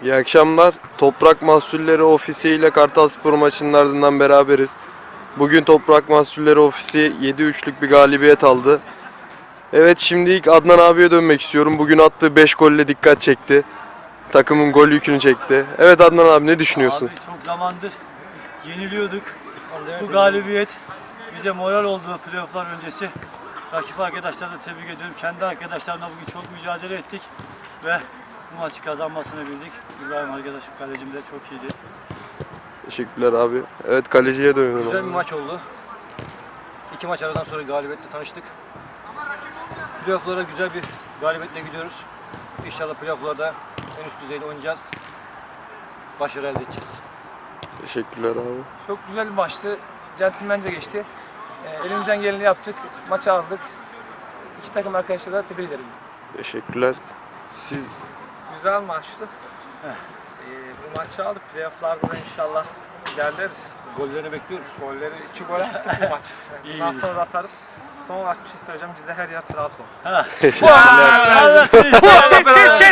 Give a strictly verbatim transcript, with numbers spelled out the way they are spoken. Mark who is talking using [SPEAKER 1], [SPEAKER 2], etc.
[SPEAKER 1] İyi akşamlar. Toprak Mahsulleri Ofisi ile Kartalspor maçının ardından beraberiz. Bugün Toprak Mahsulleri Ofisi yedi üçlük bir galibiyet aldı. Evet, şimdi ilk Adnan abiye dönmek istiyorum. Bugün attığı beş golle dikkat çekti. Takımın gol yükünü çekti. Evet Adnan abi, ne düşünüyorsun?
[SPEAKER 2] Abi çok zamandır yeniliyorduk. Bu galibiyet bize moral oldu playofflar öncesi. Rakip arkadaşları da tebrik ediyorum. Kendi arkadaşlarımla bugün çok mücadele ettik ve bu maçı kazanmasını bildik. İbrahim arkadaşım, kalecim de çok iyiydi.
[SPEAKER 1] Teşekkürler abi. Evet, kaleciye dönüyorum.
[SPEAKER 3] Güzel bir maç oldu. İki maç aradan sonra galibiyetle tanıştık. Playoff'lara güzel bir galibiyetle gidiyoruz. İnşallah playoff'larda en üst düzeyde oynayacağız. Başarı elde edeceğiz.
[SPEAKER 1] Teşekkürler abi.
[SPEAKER 4] Çok güzel bir maçtı. Centilmence geçti. Ee, elimizden geleni yaptık. Maçı aldık. İki takım arkadaşlara da tebrik ederim.
[SPEAKER 1] Teşekkürler. Siz
[SPEAKER 5] Güzel maçtı. Ee, bu maçı aldık. Playoff'larda da inşallah ilerleriz.
[SPEAKER 3] Gollerini bekliyoruz.
[SPEAKER 5] Golleri iki gol attık bu maç. Bundan sonra da atarız. Son olarak bir şey söyleyeceğim. Bizde her yer Trabzon.
[SPEAKER 1] teşekkürler.